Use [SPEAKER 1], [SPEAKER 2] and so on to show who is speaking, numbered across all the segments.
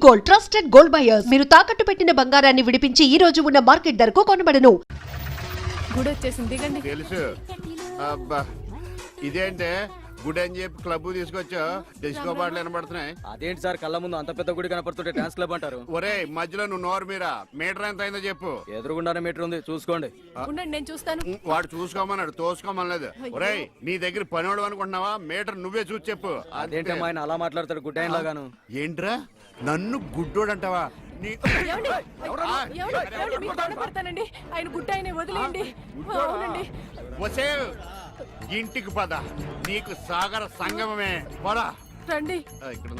[SPEAKER 1] Gold, trusted gold buyers. మీరు తాకట్టు పెట్టిన బంగారాన్ని విడిపించి ఈ రోజు ఉన్న మార్కెట్ ధరకు కొనబడను.
[SPEAKER 2] గుడి వచ్చేసింది, దిగండి.
[SPEAKER 3] తెలుసు. అబ్బా ఇదేంటే గుడి అని చెప్పి క్లబ్ తీసుకొచ్చా, డిస్కో పాటలు వినబడుతున్నాయి.
[SPEAKER 4] అదేంటి సార్, కళ్ళ ముందు అంత పెద్ద గుడి కనపడుతుంటే డాన్స్ క్లబ్ అంటారు?
[SPEAKER 3] ఒరే మధ్యలో నువ్వు నోరు మీరా, మీటర్ ఎంత అయిందో చెప్పు.
[SPEAKER 4] ఎదురుగుండానే మీటర్ ఉంది, చూసుకోండి.
[SPEAKER 2] ఉండండి, నేను చూస్తాను.
[SPEAKER 3] వాడు చూసుకోమన్నాడు, తోసుకోమనలేదు. ఒరే నీ దగ్గర పనివాడు అనుకుంటున్నావా? మీటర్ నువ్వే చూసి చెప్పు.
[SPEAKER 4] అదేంటమ్మా ఆయన అలా మాట్లాడతాడు గుడ్ ఆయన లాగాను?
[SPEAKER 3] ఏంట్రా నన్ను గుడ్డోడు అంటావా?
[SPEAKER 2] ఏమండి? ఏమండి? మీకు దండం పెడతానండి. ఆయన గుట్ట ఆయన వదిలేయండి. అవునండి.
[SPEAKER 3] వసే ఇంటికి పద, నీకు సాగర సంగమమే. పదా
[SPEAKER 2] రండి.
[SPEAKER 3] ఇక్కడ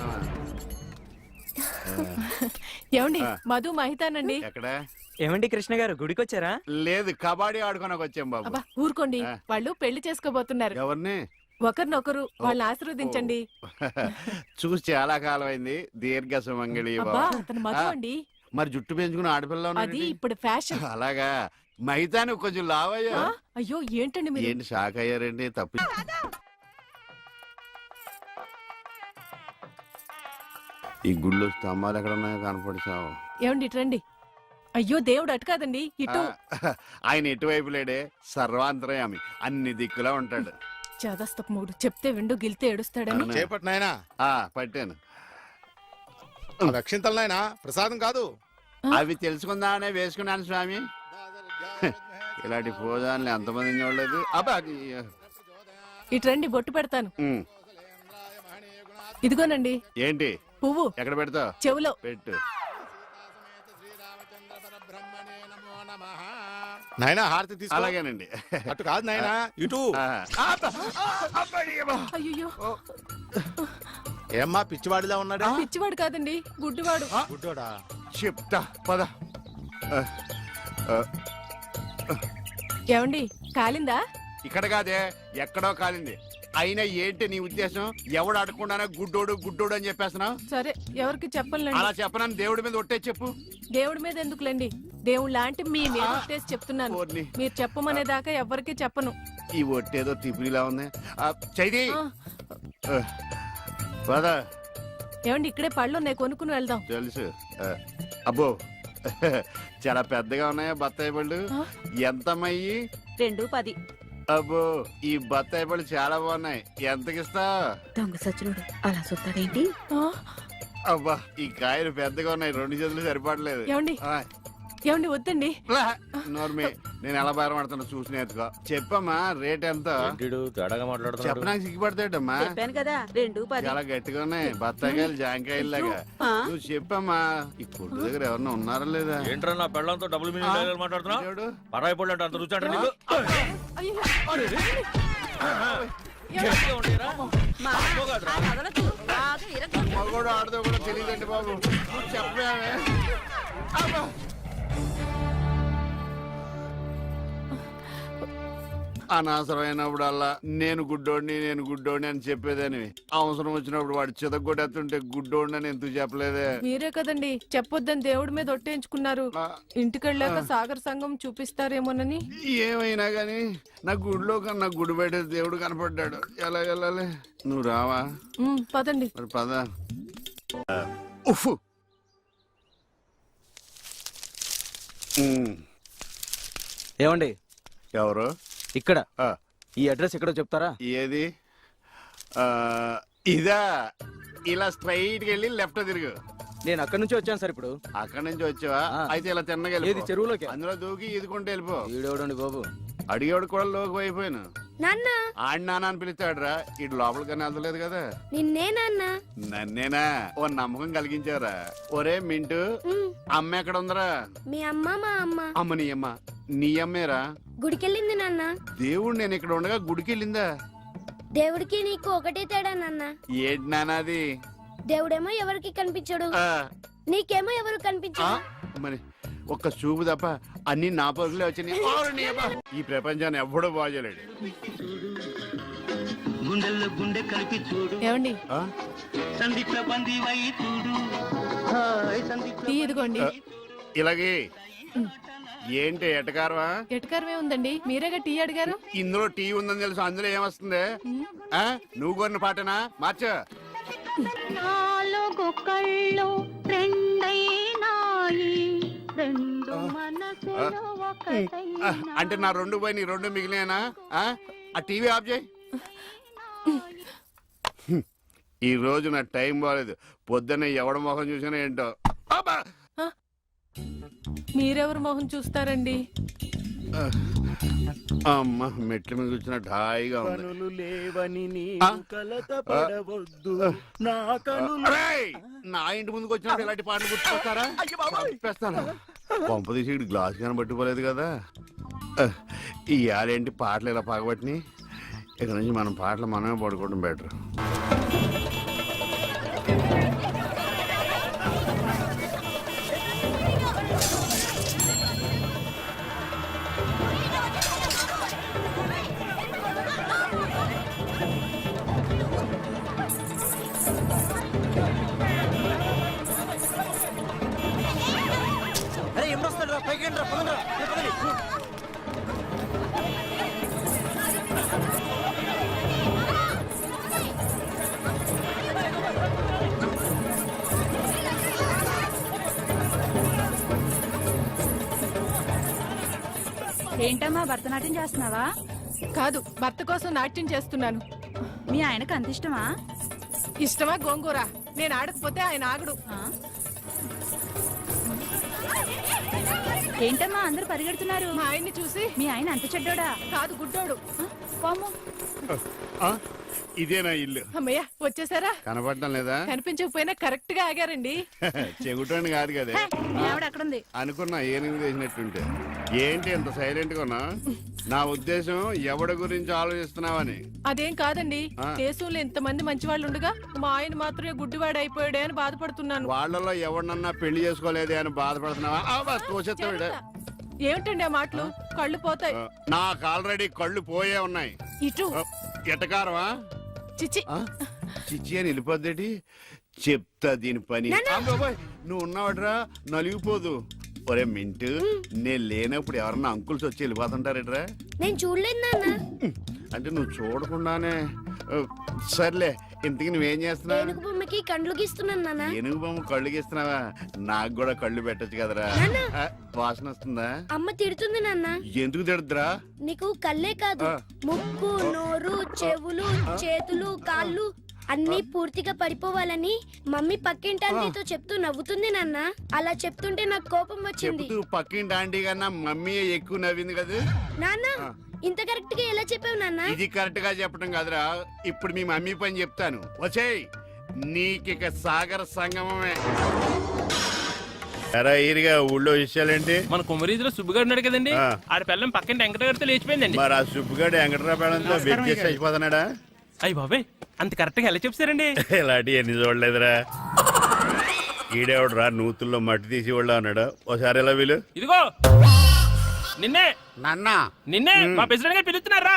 [SPEAKER 2] ఏమండి? మధు మహితానండి.
[SPEAKER 3] ఎక్కడ?
[SPEAKER 5] ఏమండి కృష్ణ గారు, గుడికి వచ్చారా?
[SPEAKER 3] లేదు, కబడ్డీ ఆడుకోనకు వచ్చాం బాబు.
[SPEAKER 2] అబ్బా ఊరుకోండి, వాళ్ళు పెళ్లి చేసుకోబోతున్నారు.
[SPEAKER 3] ఎవరిని?
[SPEAKER 2] ఒకరినొకరు, వాళ్ళని ఆశీర్వదించండి.
[SPEAKER 3] చూసి చాలా కాలం అయింది. దీర్ఘ సుమంగళి.
[SPEAKER 2] అబ్బా అతను మధు అండి.
[SPEAKER 3] మరి జుట్టు పెంచుకుని ఆడపిల్ల
[SPEAKER 2] అది ఇప్పుడు ఫ్యాషన్.
[SPEAKER 3] అలాగా? మైతాను కొంచెం లావయ్యా.
[SPEAKER 2] అయ్యో ఏంటండి మీరు?
[SPEAKER 3] ఏంటి షాక్ అయ్యారండి? తప్పి ఈ గుళ్ళు స్తంభాలు ఎక్కడ ఉన్నాయో కనపడిచావు.
[SPEAKER 2] ఏమండి ఇటు రండి. అయ్యో దేవుడు అటు కాదండి, ఇటు.
[SPEAKER 3] ఆయన ఎటువైపు లేడే, సర్వాంతరయామి, అన్ని దిక్కులా ఉంటాడు.
[SPEAKER 2] చదస్తపు మూడు చెప్తే విండు, గిల్తే ఏడుస్తాడని.
[SPEAKER 6] చేపట్టు నాయనా.
[SPEAKER 3] పట్టాను.
[SPEAKER 6] రక్షింతలు నాయనా, ప్రసాదం కాదు.
[SPEAKER 3] అవి తెలుసుకుందామనే వేసుకున్నాను స్వామి. ఇలాంటి పూజాన్ని ఎంతమంది చూడలేదు. అబ్బా
[SPEAKER 2] ఇటు రండి, బొట్టు పెడతాను. ఇదిగోనండి.
[SPEAKER 3] ఏంటి?
[SPEAKER 2] పువ్వు.
[SPEAKER 3] ఎక్కడ పెడతావు?
[SPEAKER 2] చెవులో
[SPEAKER 3] పెట్టు.
[SPEAKER 6] నాయనా హారతి తీసుకో.
[SPEAKER 3] అలాగేనండి.
[SPEAKER 6] అటు కాదు నాయనా, ఇటు.
[SPEAKER 2] అయ్యో
[SPEAKER 6] ఏమ్మా పిచ్చివాడిలా ఉన్నాడా?
[SPEAKER 2] పిచ్చివాడు కాదండి, గుడ్డివాడు.
[SPEAKER 6] గుడ్డోడా?
[SPEAKER 3] చెప్తా పద.
[SPEAKER 2] ఏమండి కాలిందా?
[SPEAKER 3] ఇక్కడ కాదే, ఎక్కడో కాలింది. అయినా ఏంటి నీ ఉద్దేశం? ఎవడు అడగకుండానే గుడ్డోడు గుడ్డోడు అని చెప్పేస్తున్నావు?
[SPEAKER 2] సరే, ఎవరికి చెప్పనులేండి.
[SPEAKER 3] అలా చెప్పనని దేవుడి మీద ఒట్టే చెప్పు.
[SPEAKER 2] దేవుడి మీద ఎందుకులేండి, దేవుడు లాంటి మీ మీద ఒట్టేసి చెప్తున్నాను. మీరు చెప్పమనేదాకా ఎవరికి చెప్పను.
[SPEAKER 3] ఈ ఒట్టేదో తిప్పిలా ఉంది. చైది పద.
[SPEAKER 2] ఏమండి ఇక్కడే పళ్ళు ఉన్నాయి, కొనుక్కుని వెళ్దాం.
[SPEAKER 3] తెలుసు. అబ్బో చాలా పెద్దగా ఉన్నాయా బత్తాయి పళ్ళు? ఎంతమ్మయ్యి?
[SPEAKER 7] 2.10.
[SPEAKER 3] అబ్బో ఈ బత్తాయి పళ్ళు చాలా బాగున్నాయి. ఎంతకిస్తా?
[SPEAKER 7] దొంగ సచ్చినోడు అలా చూస్తాడేంటి?
[SPEAKER 3] అబ్బా ఈ కాయలు పెద్దగా ఉన్నాయి, 2 చేతులు సరిపడలేదు.
[SPEAKER 2] ఏమండి ఏమండి వద్దండి.
[SPEAKER 3] నోర్మి, నేను ఎలా బేరం ఆడుతున్నా చూసి నేర్చుకో. చెప్పమ్మా రేట్ ఎంత? చెప్పడానికి సిగ్గుపడతాడమ్మా.
[SPEAKER 7] చెప్పాను కదా 2.10.
[SPEAKER 3] చాలా గట్టిగా ఉన్నాయి బత్తాయికాయలు, జాంకాయలు లాగా. నువ్వు చెప్పమ్మా. ఈ కొట్టు దగ్గర ఎవరన్నా ఉన్నారా లేదా?
[SPEAKER 8] ఏంట్రా నా పెళ్ళంతో డబుల్ మీనింగ్ మాట్లాడుతున్నావు? పరాయి పళ్ళు అంటే అంత రుచి అంటే నీకు?
[SPEAKER 3] మగోడు ఆడదో కూడా తెలియదండి బాబు. చెప్పామే. అనవసరమైనప్పుడల్లా నేను గుడ్డోడిని అని చెప్పేదని, అవసరం వచ్చినప్పుడు వాడు చితగొట్టేస్తుంటే గుడ్డోడిని అని ఎందుకు చెప్పలేదే?
[SPEAKER 2] మీరే కదండి చెప్పొద్దని దేవుడి మీద ఒట్టేయించుకున్నారు. ఇంటికెళ్ళాక సాగర్ సంఘం చూపిస్తారేమోనని.
[SPEAKER 3] ఏమైనా గాని నా గుడిలో కన్నా గుడి బయట దేవుడు కనపడ్డాడు. ఎలా వెళ్ళాలి? నువ్వు రావా?
[SPEAKER 2] పదండి.
[SPEAKER 3] మరి పద. ఉఫ్.
[SPEAKER 4] ఏమండి?
[SPEAKER 3] ఎవరు?
[SPEAKER 4] ఇక్కడ ఈ అడ్రస్ ఎక్కడో చెప్తారా?
[SPEAKER 3] ఏది? ఇదా? ఇలా స్ట్రైట్ వెళ్ళి లెఫ్ట్ తిరుగు.
[SPEAKER 4] నేను అక్కడి నుంచి వచ్చాను సార్. ఇప్పుడు
[SPEAKER 3] అక్కడి నుంచి వచ్చావా? అయితే ఇలా తిన్నగా
[SPEAKER 4] ఏది చెరువులోకి?
[SPEAKER 3] అందులో దూకి ఈదుకుంటే వెళ్ళిపో.
[SPEAKER 4] వీడేవడండి బాబు?
[SPEAKER 3] అడిగేవాడు కూడా లోకి అయిపోయాను. ఆడి నాన్న అని పిలుస్తాడు రా. ఇటు లోపలికన్నా వెళ్తలేదు కదా. నన్నేనా? ఓ నమ్మకం కలిగించారా? ఒరే మింటూ, అమ్మ ఎక్కడ ఉందరా?
[SPEAKER 9] మీ అమ్మ మా అమ్మ.
[SPEAKER 3] అమ్మ నీ అమ్మ? నీ అమ్మేరా?
[SPEAKER 9] గుడికెళ్ళింది నాన్న.
[SPEAKER 3] దేవుడు నేను ఇక్కడ ఉండగా గుడికెళ్ళిందా?
[SPEAKER 9] దేవుడికి నీకు ఒకటే తేడా నాన్న.
[SPEAKER 3] ఏంటి నాన్నది?
[SPEAKER 9] దేవుడేమో ఎవరికి కనిపించడు, నీకేమో ఎవరు కనిపించడు.
[SPEAKER 3] మరి ఒక్క చూపు తప్ప అన్ని నా పరుగులే వచ్చినాయి. ఈ ప్రపంచాన్ని ఎవ్వడూ బాగోలేడు.
[SPEAKER 2] ఏమండి టీ ఇదిగోండి.
[SPEAKER 3] ఇలాగే ఏంటి ఎటకారమా?
[SPEAKER 2] ఎటకారమే ఉందండి, మీరేగా టీ అడిగారు.
[SPEAKER 3] ఇందులో టీ ఉందని తెలుసు, అందులో ఏమొస్తుంది? నువ్వు కొన్న పాటనా? మార్చ.
[SPEAKER 9] 4 కళ్ళు 2
[SPEAKER 3] అంటే నా రెండు పోయి నీ రెండు మిగిలినా ఆ టీవీ ఆఫ్ చేయి. ఈ రోజు నా టైం బాగాలేదు. పొద్దున్న ఎవడ మొహం చూసినా ఏంటో. అబ్బా!
[SPEAKER 2] మీరెవరు మొహం చూస్తారండి?
[SPEAKER 3] అమ్మ మెట్ల మీద కూర్చున్నట్టు హాయిగా ఉంది. అరేయ్! నా ఇంటి ముందుకు వచ్చినప్పుడు ఇలాంటి పాటలు గుర్తుకొస్తారా? చంపేస్తాను. పంప తీసి ఇటు గ్లాస్ కానీ పట్టుకోలేదు కదా. ఈ ఆరేంటి పాటలు ఇలా పగబట్టినాయి. ఇక్కడ నుంచి మనం పాటలు మనమే పడుకోవడం బెటర్.
[SPEAKER 4] అరే ఎప్పుడు వస్తాడు రా పైకి రా పదండి రా.
[SPEAKER 7] ఏంటమ్మా భరతనాట్యం చేస్తున్నావా?
[SPEAKER 2] కాదు, భర్త కోసం నాట్యం చేస్తున్నాను.
[SPEAKER 7] మీ ఆయనకు అంత ఇష్టమా?
[SPEAKER 2] ఇష్టమా గోంగూర? నేను ఆడకపోతే ఆయన ఆగడు.
[SPEAKER 7] ఆ? ఏంటమ్మా అందరూ పరిగెడుతున్నారు?
[SPEAKER 2] మా ఆయన్ని చూసి.
[SPEAKER 7] మీ ఆయన అంత చెడ్డోడా?
[SPEAKER 2] కాదు, గుడ్డోడు.
[SPEAKER 7] పాము.
[SPEAKER 3] ఇదేనా ఇల్లు?
[SPEAKER 2] అమ్మయ్య, వచ్చేసారా?
[SPEAKER 3] కనపడటం లేదా?
[SPEAKER 2] కనిపించకపోయినా కరెక్ట్ గా ఆగారండి.
[SPEAKER 3] చెగుటోని కాదు కదా.
[SPEAKER 7] మీ ఆవిడ అక్కడుంది.
[SPEAKER 3] అనుకున్నా ఏనుగు చేసినట్టుంటే. ఏంటి ఎంత సైలెంట్ గా ఉన్నా? నా ఉద్దేశం ఎవడి గురించి ఆలోచిస్తున్నావని.
[SPEAKER 2] అదేం కాదండి.
[SPEAKER 3] ఆ.
[SPEAKER 2] దేశంలో ఇంతమంది మంచి వాళ్ళు ఉండగా మా ఆయన మాత్రమే గుడ్డివాడు అయిపోయాడే అని బాధపడుతున్నాను.
[SPEAKER 3] వాళ్ళలో ఎవరినన్నా పెళ్లి చేసుకోలేదే అని బాధపడుతున్నావా? తోసేస్తాడు.
[SPEAKER 2] ఏమిటండి ఆ మాటలు? కళ్ళు పోతాయి.
[SPEAKER 3] నాకు ఆల్రెడీ కళ్ళు పోయే ఉన్నాయి.
[SPEAKER 2] ఇటు.
[SPEAKER 3] ఎటకారమా?
[SPEAKER 2] చిచ్చి.
[SPEAKER 3] చిచ్చి అని వెళ్ళిపోద్దేటి. చెప్తా దీని పని. అబ్బబ్బోయ్, నువ్వు ఉన్నావట్రా నలిగిపోదు. ఒరే మింటు, నేను లేనప్పుడు ఎవరన్నా అంకుల్స్ వచ్చి వెళ్ళిపోతుంటారేట్రా?
[SPEAKER 9] నేను చూడలేదు నాన్న.
[SPEAKER 3] అంటే నువ్వు చూడకుండానే. సర్లే, ఇంతకి నువ్వేం చేస్తున్నావు?
[SPEAKER 9] ఏనుగు బొమ్మకి కండ్లు గీస్తున్నాను నాన్న.
[SPEAKER 3] ఏనుగు బొమ్మ కళ్ళు గీస్తున్నావా? నాకు కూడా కళ్ళు పెట్టచ్చు కదరా.
[SPEAKER 9] నాన్న.
[SPEAKER 3] వాసన వస్తుందా?
[SPEAKER 9] అమ్మ తిడుతుంది నాన్న.
[SPEAKER 3] ఎందుకు తిడద్దురా?
[SPEAKER 9] నీకు కళ్ళే కాదు, ముక్కు, నోరు, చెవులు, చేతులు, కాళ్ళు అన్ని పూర్తిగా పడిపోవాలని మమ్మీ పక్కింటి ఆంటీతో చెప్తూ నవ్వుతుంది నాన్న. అలా చెప్తుంటే నాకు కోపం వచ్చింది.
[SPEAKER 3] చెబుతూ పక్కింటి ఆంటీ కన్నా మమ్మీ ఎక్కువ నవ్వింది కదా.
[SPEAKER 9] నాన్న, ఇంత కరెక్ట్ గా ఎలా చెప్పావు నాన్న?
[SPEAKER 3] ఇది కరెక్ట్ గా చెప్పడం కాదురా. ఇప్పుడు మీ మమ్మీ పని చెప్తాను. వచ్చేయ్, నీకిక సాగర సంగమమే. ఎరా ఈరిగా ఊళ్ళో విషయాలేంటి?
[SPEAKER 8] మన కుమరీజులో సుబ్బుగాడు ఉన్నాడు కదండి,
[SPEAKER 3] ఆ.
[SPEAKER 8] ఆడ పిల్లం పక్కన వెంకటగారితో లేచిపోయిందండి.
[SPEAKER 3] మరి ఆ సుబ్బుగాడు వెంకటరాపేడంతో వెయిట్ చేసి అయిపోతున్నాడా?
[SPEAKER 8] అయ్యి బాబాయ్, అంత కరెక్ట్ గా ఎలా చెప్తారండి?
[SPEAKER 3] ఇలాంటి ఎన్ని చూడలేదురా. ఈడేవడరా నూతుల్లో మట్టి తీసి వాళ్ళు అన్నాడు. ఒకసారి ఎలా వీలు?
[SPEAKER 8] ఇదిగో నిన్నే
[SPEAKER 3] నాన్నా
[SPEAKER 8] నిన్నే మా ప్రెసిడెంట్ గారు పిలుస్తున్నారా?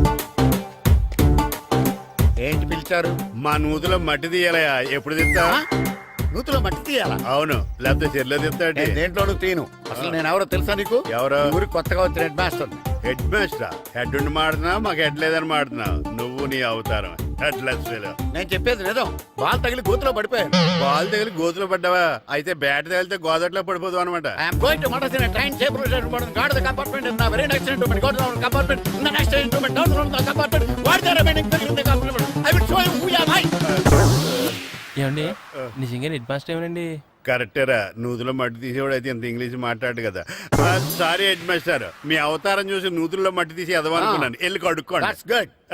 [SPEAKER 3] ఏంటి పిలిచారు? మా నూతులో మట్టి తీయాలయా. ఎప్పుడు తీస్తా?
[SPEAKER 6] నూతులో మట్టి తీయాలా?
[SPEAKER 3] అవును, లేకపోతే చెర్లో తీస్తాడు.
[SPEAKER 6] దేంట్లోనూ తీను. అసలు నేను ఎవరో తెలుసా నీకు?
[SPEAKER 3] ఎవరో?
[SPEAKER 6] ఊరికి కొత్తగా వచ్చిన head master.
[SPEAKER 3] Head master? Head ఉండి మాడుతున్నావు, మాకు హెడ్ లేదని మాడుతున్నావు. నువ్వు నీ అవతారం హెడ్లెస్ ఫెలో.
[SPEAKER 6] నేను చెప్పేది నిజం. బాల్ తగిలి గోతులో పడిపోయాను.
[SPEAKER 3] బాల్ తగిలి గోతులో పడ్డావా? అయితే బ్యాట్ తగిలితే గోదట్లో పడిపోదు అనమాట.
[SPEAKER 6] I'm going to Madras in a train table guard the compartment in the very next instrument go down compartment in the next instrument down from the compartment what the remaining thing in the compartment I will show you who you are.
[SPEAKER 8] ఏమండి నిజంగా head master ఏమనండి?
[SPEAKER 3] కరెక్టేరా, నూతులో మట్టి తీసేవాడు అయితే ఇంత English మాట్లాడు కదా. Sorry head master, మీ అవతారం చూసి నూతుల్లో మట్టి తీసి ఎదవనుకున్నాను. వెళ్ళి కడుక్కోండి.
[SPEAKER 6] That's good.